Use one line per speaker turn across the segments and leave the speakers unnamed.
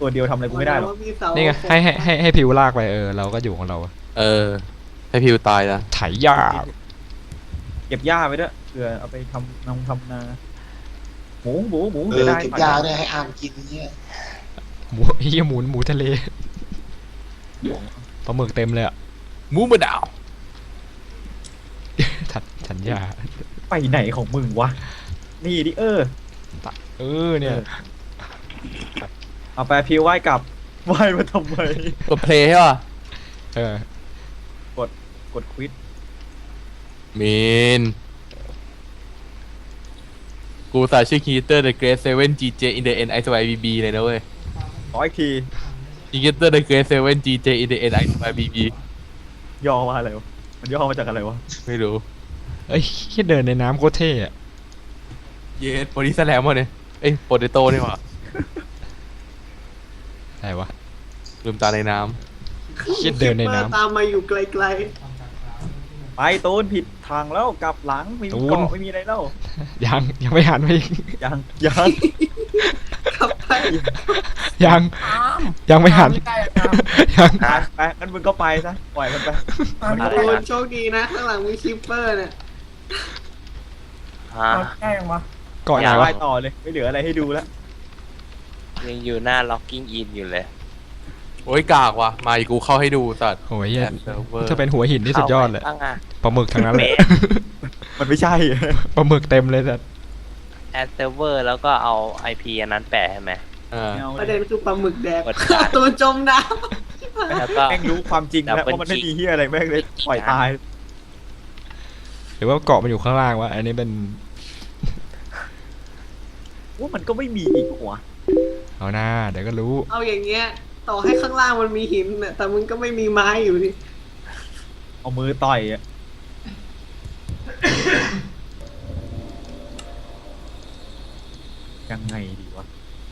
ตัวเดียวทำอะไรกูไม่ได้หรอก
นี่ไงให้พิวลากไปเราก็อยู่ของเรา
ให้พิวตายนะ
ไถหญ้า
เก็บหญ้าไปด้วยเผื่อเอาไปทำนาหมู
เก็บยาเนี่ยให้อามกินเนี่ย
หมูหมูทะเลปลาหมึกเต็มเลยอ่ะ
หมูมะนาว
ถันหญ้า
ไปไหนของมึงวะนี่ดิ
เนี่ย
เอาไปพิวไหว้กลับไหว้มาทำไม
กดเพลย์ใช่ป่ะ
กดควิด
มีนกูสาชื่อคีเตอร์ The Great Seven GJ in the N I S Y B B เลยนะเว้ย
ขออีกที
คีเตอร์ The Great Seven GJ in the N I S Y B B
ย่อมาอะไรวะมันย่อมาจากอะไรวะ
ไม่รู้
แค่เดินในน้ำโคตรเท่อะ
เยสโปรดิสแลมวะเนี่ยโปเตโต้นี่หว่า
อะไรวะ
ลืมตาในน้
แค่เดินในน้ำ
ตามมาอยู่ไกล
ไปตูนผิดทางแล้วกลับหลังไม่มีเกาะไม่มีอะไรแล้ว
ยังไม่หันไปอีก
ยัง
ๆขับไป
ยังไม่หันยัง
ไปงั้นมึงก็ไปซะปล่อยมันไป
โอ้โชคดีนะข้างหลังมีคิปเปอร์เนี่ย
แกล้งวะ
ก่อนไหน
ไป
วะ
ต่อเลยไม่เหลืออะไรให้ดูแล้ว
ยังอยู่หน้า Locking In อยู่เลย
ำโอ้ยกากว่ะมาอีกกูเข้าให้ดูสัตว์
โอ้ยเหี้ย
เซิร์ฟเวอร์
ถ้าเป็นหัวหินนี่สุดยอดเลย
ข้างอ่ะ
ปลาหมึกทั้งนั้นเลย
มันไม่ใช่
ปลาหมึกเต็มเลยสัตว์
แอดเซิร์ฟเวอร์แล้วก็เอา IP อันนั้นแปะใช่ไหม
ประเด็นคือปลาหมึกแดก
กดการ
ตัวจมน้
แล้วก็
แม่งรู้ความจริงแล้วว่ามันไม่มีเฮียอะไรแม่งเลยปล่อยตาย
หรือว่าเกาะมันอยู่ข้างล่างวะอันนี้เป็น
ว่ามันก็ไม่มีอีกหัว
เอาหน้าเดี๋ยวก็รู้
ำเอาอย่างเงี้ย ต่อให้ข้างล่างมันมีหินน่ะแต่มึงก็ไม่มีไม้อยู่ดิ
เอามือต่อยอะยังไงดีวะ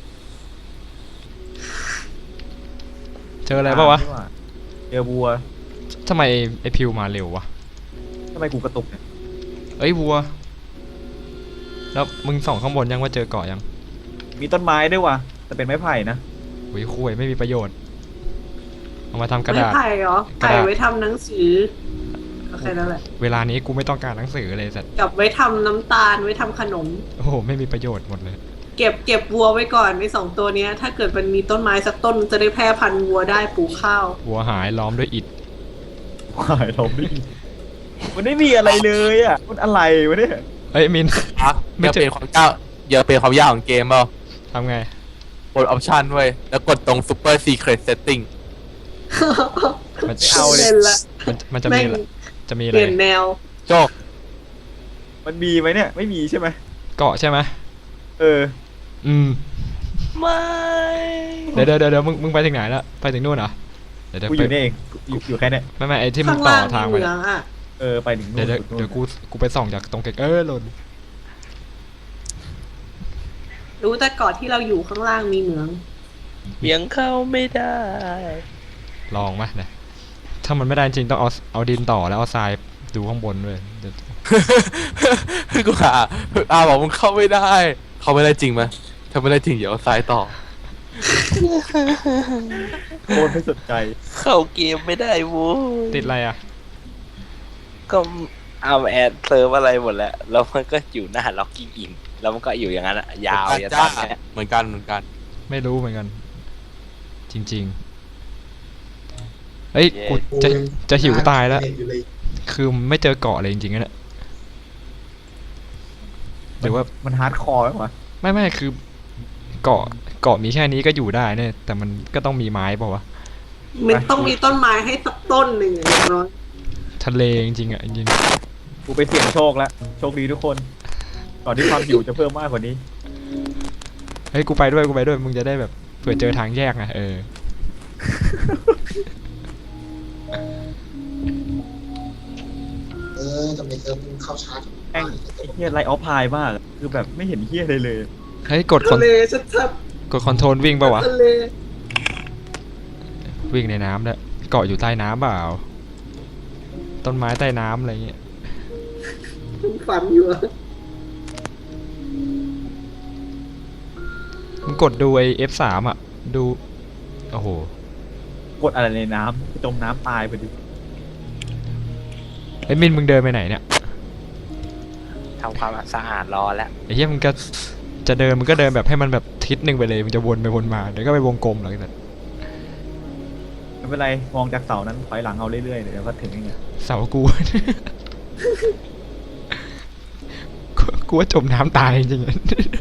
เจออะไรปะวะ
เจอวัว
ทำไมไอพิวมาเร็ววะ
ทำไมกูกระตุกเนี่ย
วัวแล้วมึงส่องข้างบนยังว่าเจอเกาะยัง
มีต้นไม้ด้วยว่ะแต่เป็นไม้ไผ่นะ
คุยไม่มีประโยชน์เอามาทำกระ
ไม้
ดาษ
ไผ่เหรอก
ระ
ไผ่
ดาษ
ไว้ทำหนังสือก็แค่นั้นแหละ
เวลานี้กูไม่ต้องการหนังสือเลยสัตว์
กับไว้ทำน้ำตาลไว้ทำขนม
โอ้โหไม่มีประโยชน์หมดเลย
เก็บวัวไว้ก่อนในสองตัวเนี้ย ถ้าเกิดมันมีต้นไม้สักต้นจะได้แพร่พันธุ์วัวได้ปลูกข้าว
วัวหายล้อมด้วยอิฐ
หายเราไม่มีมันไม่มีอะไรเลยอ่ะมันอะไรวะเนี่ย
มิน
อย่าเปลี่ยนความยากอย่าเปลี่ยนความยากของเกมเปล่า
ทำไง
กดออปชันเว้ยแล้วกดตรง Super Secret Setting
มัน
ไม่เอาเลย
ล่นละ
มันจะมีอะไรจะมีอะ
เป
ไร
ลี่ยนแนว
โจก
มันมีไหมเนี่ยไม่มีใช่ไหม
เกาะใช่ไหม
อืม
ไม่
เดี๋ยวมึงไปถึงไหนแล้วไปถึงนู่นเหรอเดี๋ยว
กูอยู่นี่เองอยู่แค่เนี้ย
ไม่ไอที่มึ
ข้าง ง
ต่อ
ล่าง
ทาง
มี
ไป
เหมืองอ่ะ
ไปถึงนู่น
เดี๋ยวกูไปส่องจากตรงเกหล่น
รู้แต่ก่อนที่เราอยู่ข้างล่างมีเหมือง
ยังเข้าไม่ได้
ลองไหมนะถ้ามันไม่ได้จริงต้องเอาดินต่อแล้วเอาทรายดูข้างบนด้วยเดี๋ยว
กูบอกมึงเข้าไม่ได้ เข้าไม่ได้จริงไหมถ้าไม่ได้จริงเดี๋ยวเอาซ้ายต่อ
โคตรไม่สนใจ
เข้าเกมไม่ได้โว้ย
ติดอะไรอ่ะ
ก็เอาแอดเซิร์ฟอะไรหมดแล้วแล้วมันก็อยู่หน้า Locking In แล้วมันก็อยู่อย่างนั้นอะยาวอย่าตัดเนี่ย
เหมือนกัน
ไม่รู้เหมือนกัน จริงๆกูจะหิวตายแล้ว คือไม่เจอเกาะเลยจริงๆนะเนี่ยหรือว่า
มันฮาร์ดคอร์ไหมวะ
ไม่คือเกาะมีแค่นี้ก็อยู่ได้เนี่ยแต่มันก็ต้องมีไม้เปล่าวะ
มันต้องมีต้นไม้ให้สักต้นหนึ่งอย่างน้อย
ทะเลจริงๆอ่ะจริง
กูไปเสี่ยงโชคแล้วโชคดีทุกคนก่อนที่ความหิวจะเพิ่มมากกว่านี้
ๆกูไปด้วยมึงจะได้แบบเผื่อเจอทางแยกไง
ทำไมเซิร์ฟมึงเข้าชาร์จ
แม่งไอ้เฮียไลท์ออฟพายมากคือแบบไม่เห็นเฮียเลย
กด
ทะเลชัด
กดคอนโทรลวิ่งป่าวะ
ๆทะเล
วิ่งในน้ำเนี่ยเกาะอยู่ใต้น้ำเปล่าต้นไม้ใต้น้ำอะไรเงี้ย
ฝันอยู่อะ
มึงกดดูไอ้ F3 อ่ะดูโอ้โห
กดอะไรในน้ำจมน้ำตายพอดี
ไอ้มินมึงเดินไปไหนเนี่ย
ทำความสะอาดรอแล้ว
ไอ้เหี้ยมึงก็จะเดินมึงก็เดินแบบให้มันแบบทิศหนึ่งไปเลยมึงจะวนไปวนมาเดี๋ยวก็ไปวงกลมหรอกแต่
ไม่เป็นไรมองจากเสานั้นถอยหลังเอาเรื่อยๆเดี๋ยวก็ถึงเองอะ
เสากู กูว่าจมน้ำตายจริงๆ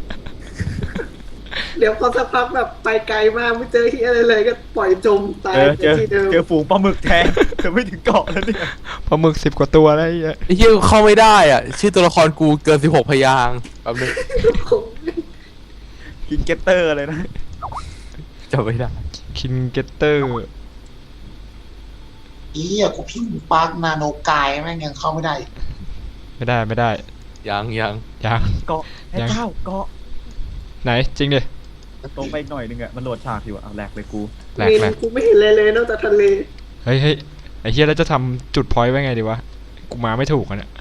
เดี๋ยวพอสักพักแบบไปไกลมากไม่เจอที่อะไรเลยก็ปล่อยจมตาย
เจอ
ที่เดิม
เจอฝูงปลาหมึกแทงเธอไม่ถึงเกาะแล้วเนี่ย
ปลาหมึก10 กว่าตัวแล้วไอ้เหี้ย
ไอ้เหี้ยเข้าไม่ได้อ่ะ ชื่อตัวละครกูเกิน16พยางค์แป๊บนึง
กินเกตเตอร์เลยนะ
จำไม่ได้
คินเกตเตอร์
อีอ่ะกูพิมพ์ปาร์กนาโนกายแม่งยังเข้าไม่ได้
ไม่ได้
ยัง
ยัง
เกาะไอ้เจ้าเกาะ
ไหนจริงดิ
ตรงไปอีกหน่อยนึงอะมันโหลดฉากอยู่อะเอาแหลกเลยกู
แหลก
มิน
แหลก
กูไม่เห็นเลยเลยนอกจากทะเล
เฮ้ยไอ้เหี้ยแล้วจะทำจุดพอยต์ไว้ไงดีวะกูมาไม่ถูกอ่ะเนี่ย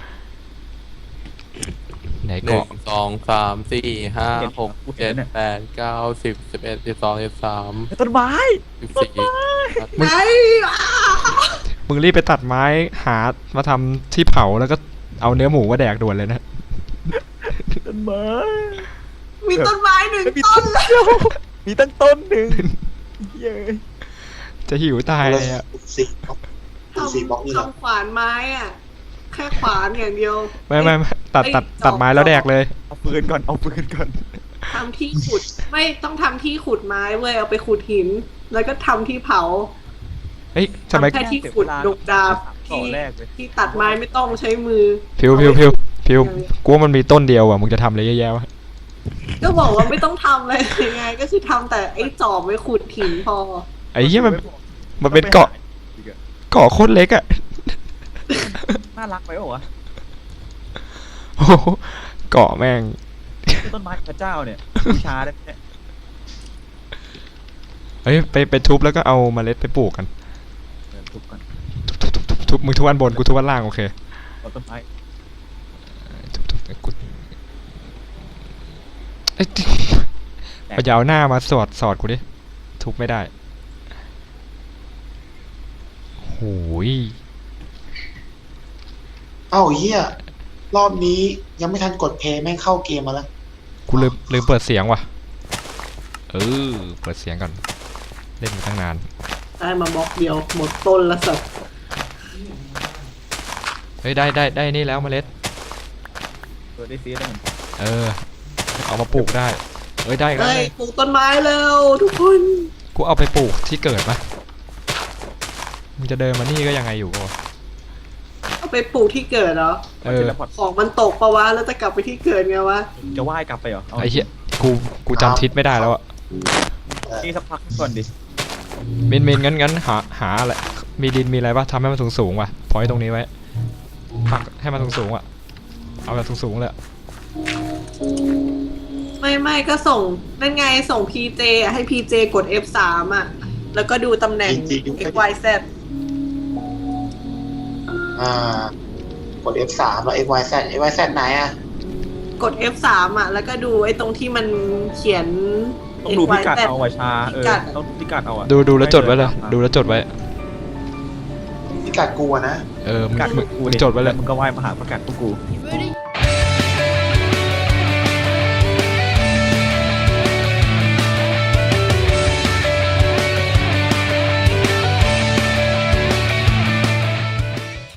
ไหน
1
เกาะ
2 3 4 5 6 7 8 9 10 11 12 13
ไอ้ต้นไม้
14
ไอ้
มึงรีบไปตัดไม้หามาทำที่เผาแล้วก็เอาเนื้อหมูมาแดกด่วนเลยนะ
ต้นไม้
มีต้นไม้หนึ่ง
มี
ต้
ต้
น
นเดียวมีตั้งต้นหนึ่งเย้
จะหิวตายเลยอ่ะ
สี่สี่บล็อกนี่แหละ
ทำขวานไม้อ่ะ แค่ขวานอย่างเดียว
ไม่ตัดไม้แล้วแดกเลย
เอาปืนก่อนเอาปืนก่อน
ทำที่ขุดไม่ต้องทำที่ขุดไม้เว้ยเอาไปขุดหิน แล้วก็ทำที่เผา
เฮ้ยทำไม
ทำแค่ที่ขุดดุกดาบ
ต่อ
ที่
แรกเลย
ที่ตัดไม้ไม่ต้องใช้มือ
พิวกูว่ามันมีต้นเดียวอ่ะมึงจะทำอะไรเยอะแยะวะ
ก็บอกว่าไม่ต้องทำเลยยังไง ก็คือทำแต่ไอ้จอบไว้ขุดหินพอ
ไอ้เหี้ยมันเป็นเกาะโคตรเล็กอ่ะ
น่ารักไปเปล่าวะ
โอ้โหเกาะแม่ง
ต้นไม้พระเจ้าเนี่ยบูชาได้ไหมเนี่ย
เฮ้ยไปทุบแล้วก็เอาเมล็ดไปปลูกกัน
เดินทุบก่อน
ทุบมึงทุบอันบนกูทุบอันล่างโอเค
เอาต้นไม้
ทุบกูเอ้ยเอายาวหน้ามาสอดกูดิทุบไม่ได้โอ้ย
เอ้าเหี้ยรอบนี้ยังไม่ทันกดเพย์แม่งเข้าเกมมาแล้ว
กูลืมเปิดเสียงว่ะเปิดเสียงก่อนเล่นมาตั้งนาน
ได้มาบล็อกเดียวหมดต้นละสัตว์
เฮ้ยได้นี่แล้วเมล็ด
ตัวได้ซีได้เหมือนกัน
เอามาปลูกได้เอ้ยได้อีกแล้ว
เฮ้ย
ไง
ปลูกต้นไม้แล้วทุกคน
กูเอาไปปลูกที่เกิดปะมึงจะเดินมานี่ก็ยังไงอยู่วะ
เอาไปปลูกที่เกิดเหรอ
มันจะระพอร์ต
ของมันตกปะวะแล้วจะกลับไปที่เกิดไงวะ
จะว่ายกลับไปเหรอเอา
ไอ้เหี้ยกูจำทิศไม่ได้แล้วอะ
นี่สักพักก่อนดิ
มินงั้นหาอะไรมีดินมีอะไรปะทำให้มันสูงว่ะพอยตรงนี้ไว้ปักให้มันสูงอ่ะเอาแบบสูงเลยอะ
ไม่ก็ส่งนั่นไงส่ง PJ อ่ะให้ PJ กด F3 อ่ะ แล้วก็ดูตำแหน่ง X Y Z
กด F3 แล้ว XYZ XYZ ไหนอ่ะ
กด F3 อ่ะ แล้วก็ดูไอ้ตรงที่มันเขียน
ต้องดูพิกัด
XYZ
เอาไว้ชา
พิกัด
ต้องดูพิกัดเอาอะ
ดูแล้วจดไว้เลยดูแล้วจดไว้
พิกัดกูอะนะ
มึง
พิกัด
มึงจดไว้เลย
มึงก็ว่ายมาหาพิกัดพวกกู
You ready?